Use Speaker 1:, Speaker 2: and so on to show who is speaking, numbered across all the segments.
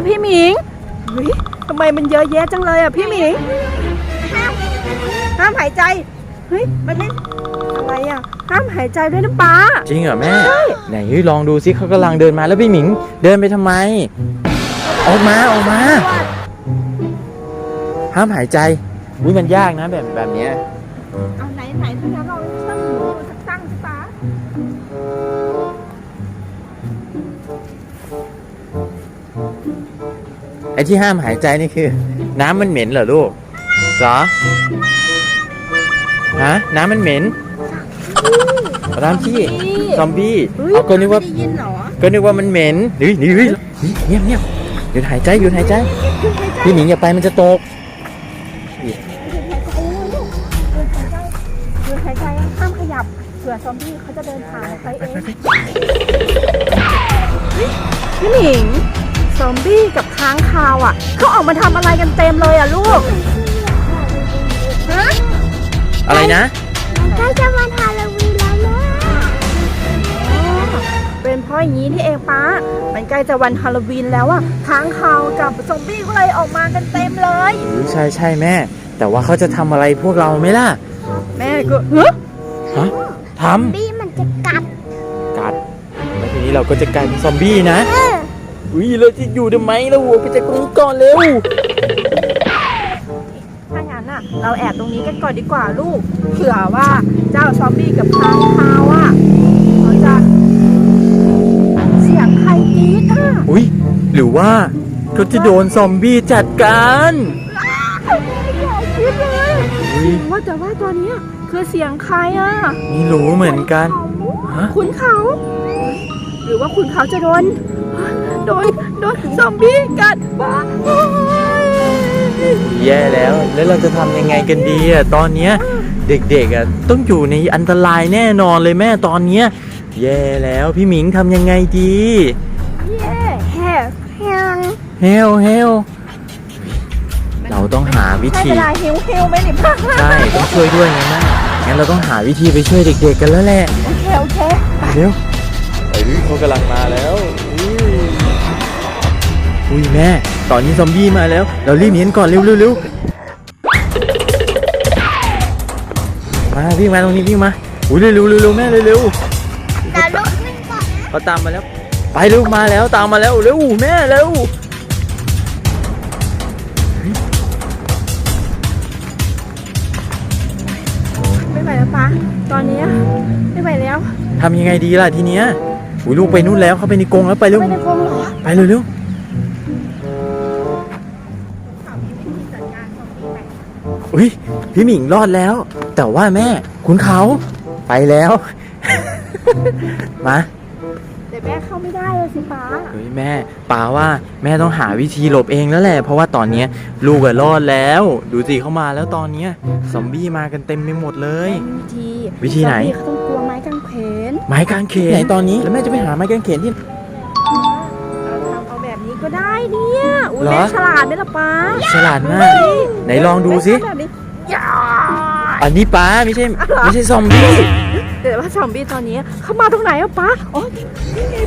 Speaker 1: พี่หมิงเฮ้ยทำไมมันเยอะแยะจังเลยอ่ะพี่หมิงห้ามหายใจเฮ้ยมันไม่อะไรอ่ะห้ามหายใจด้วยนะป้า
Speaker 2: จริงเหรอแม่ไหนลองดูซิเขากำลังเดินมาแล้วพี่หมิงเดินไปทำไมออกมาห้ามหายใจมันยากนะแบบเนี้ย
Speaker 1: เอาไหนถ้างั้นเราตั้งหูตั้งสิป้า
Speaker 2: ไอ้ที่ห้ามหายใจนี่คือน้ำมันเหม็นเหรอลูกเหรอฮะน้ำมันเหม็นน้ำที่ซอมบี้เอาก็นึกว่ามันเหม็นนี่เงียบหยุดหายใจพี่หมิงอย่าไปมันจะตก
Speaker 1: หายใจห้ามขยับเผื่อซอมบี้เขาจะเดินผ่านไปเองพี่หมิงซอมบี้กับค้างคาวอ่ะเขาออกมาทำอะไรกันเต็มเลยอ่ะลูกฮะ
Speaker 2: อะไรนะ
Speaker 3: ใกล้จะวันฮาโลวีนแล้วนะ
Speaker 1: เป็นเพราะอย่างนี้ที่เองป้ามันใกล้จะวันฮาโลวีนแล้วอ่ะค้างคาวกับซอมบี้ก็เลยออกมากันเต็มเลย
Speaker 2: ใช่แม่แต่ว่าเขาจะทำอะไรพวกเราไหมล่ะ
Speaker 1: แม่ก็
Speaker 2: ฮะท
Speaker 3: ำบี้มันจะกัด
Speaker 2: แล้วทีนี้เราก็จะกลายเป็นซอมบี้นะเราจะอยู่ทำไมเราหัวไปจากตรงนี้ก่อนเร็ว
Speaker 1: ถ้างั้นน่ะเราแอบตรงนี้กันก่อนดีกว่าลูกเผื่อว่าเจ้าซอมบี้กับค้างคาวอ่ะเขาจะเสียงใครกรี๊ดอ่ะ
Speaker 2: หรือว่าเขาจะโดนซอมบี้จัดการ
Speaker 1: อย่าคิดเลยว่าแต่ว่าตอนนี้คือเสียงใครอ่ะ
Speaker 2: ไม่รู้เหมือนกัน
Speaker 1: คุณเขาหรือว่าคุณเขาจะโดนซอมบี้กัดบ้า
Speaker 2: แย่แล้วเราจะทำยังไงกันดีอ่ะตอนเนี้ยเด็กๆอ่ะต้องอยู่ในอันตรายแน่นอนเลยแม่ตอนเนี้ยแย่แล้วพี่หมิงทำยังไงดีเฮลเราต้องหาวิธี
Speaker 1: ใช่เวลาเฮลไหมนี่พ่อ
Speaker 2: ใช่ต้องช่วยด้วยไงแม่งั้นเราต้องหาวิธีไปช่วยเด็กๆกันแล้วแหละ
Speaker 1: โอเค
Speaker 2: เร็วเขากำลังมาแล้วแม่ตอนนี้ซอมบี้มาแล้วเรารีบหนีก่อนเร็วมาวิ่งมาตรงนี้วิ่งมาเร็วแม่เร็ว
Speaker 3: แต่ลูกวิ่งก่อน
Speaker 2: เขาตามมาแล้วไปลูกมาแล้วตามมาแล้วเร็วแม่เร็ว
Speaker 1: ไม่ไหวแล้วป้าตอนนี้ไม่ไหวแล้ว
Speaker 2: ทำยังไงดีล่ะทีเนี้ยลูกไปนู่นแล้วเขาไปในกรงแล้วไปเร็วไปเร็วพี่หมิงรอดแล้วแต่ว่าแม่คุณเขาไปแล้วมา
Speaker 1: แต่แม่เข้าไม่ได้เลยสิป้า
Speaker 2: แม่ป้าว่าแม่ต้องหาวิธีหลบเองแล้วแหละเพราะว่าตอนนี้ลูกรอดแล้วดูสิเข้ามาแล้วตอนนี้ซอมบี้มากันเต็มไปหมดเลยวิธีไหน
Speaker 1: เขาต้องกลัวไม้กางเขน
Speaker 2: ไหนตอนนี้แล้วแม่จะไปหาไม้กางเขนที่
Speaker 1: เอาแบบนี้ก็ได้เนี่ยแม่ฉลาดไหมล่ะป้า
Speaker 2: ฉลาดมากไหนลองดูสิอันนี้ป้าไม่ใช่ซอมบี้
Speaker 1: แต่ว่าซอมบี้ตอนนี้เขามาตรงไหนอ่ะป้าอ๋อนี่ไง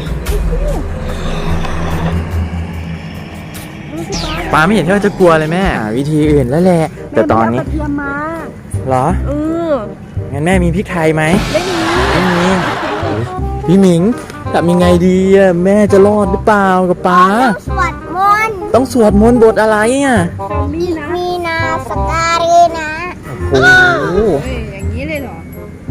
Speaker 2: ป้าไม่เห็นที่ว่าจะกลัวเลยแม่วิธีอื่นแล้วแหละแต่ตอนนี้
Speaker 1: เตรียมมา
Speaker 2: เหรองั้นแม่มีพริกไทยไหม
Speaker 1: ไม่มี
Speaker 2: พี่หมิงทำยังไงดีอ่ะแม่จะรอดหรือเปล่ากับป้าต้องสวดมนต์บทอะไรอ่ะ
Speaker 3: มีนาสการีนะ
Speaker 2: โอ้โห
Speaker 1: อย่างนี้เลยเหรอ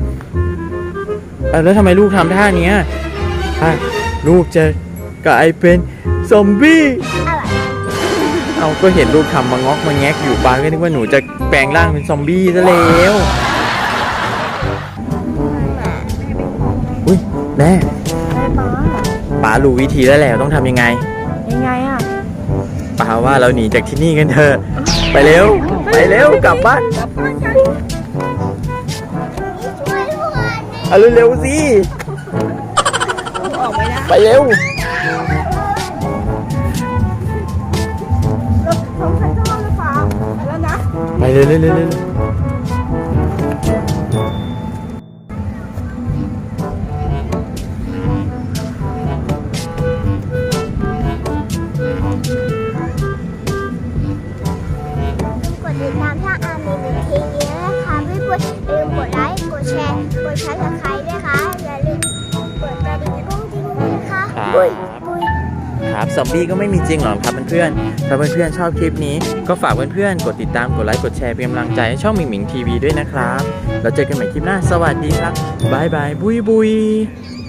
Speaker 2: แล้วทำไมลูกทำท่านี้ลูกจะกลายเป็นซอมบี้เอาก็เห็นลูกทำมางอกมาแงกอยู่ป้าก็นึกว่าหนูจะแปลงร่างเป็นซอมบี้ซะแล้วแม่ป้ารู้วิธีแล้วแหละต้องทำยังไง
Speaker 1: อ่ะ
Speaker 2: ป้าว่าเราหนีจากที่นี่กันเถอะไปเร็วกลับบ้านเอาเร็วสิไปเร็วไปเร็วซอมบี้ก็ไม่มีจริงหรอกครับเพื่อนๆถ้าเพื่อนๆชอบคลิปนี้ก็ฝากเพื่อนๆกดติดตามกดไลค์กดแชร์เป็นกำลังใจให้ช่องหมิงหมิงทีวีด้วยนะครับแล้วเจอกันใหม่คลิปหน้าสวัสดีครับบายบายบุยบุย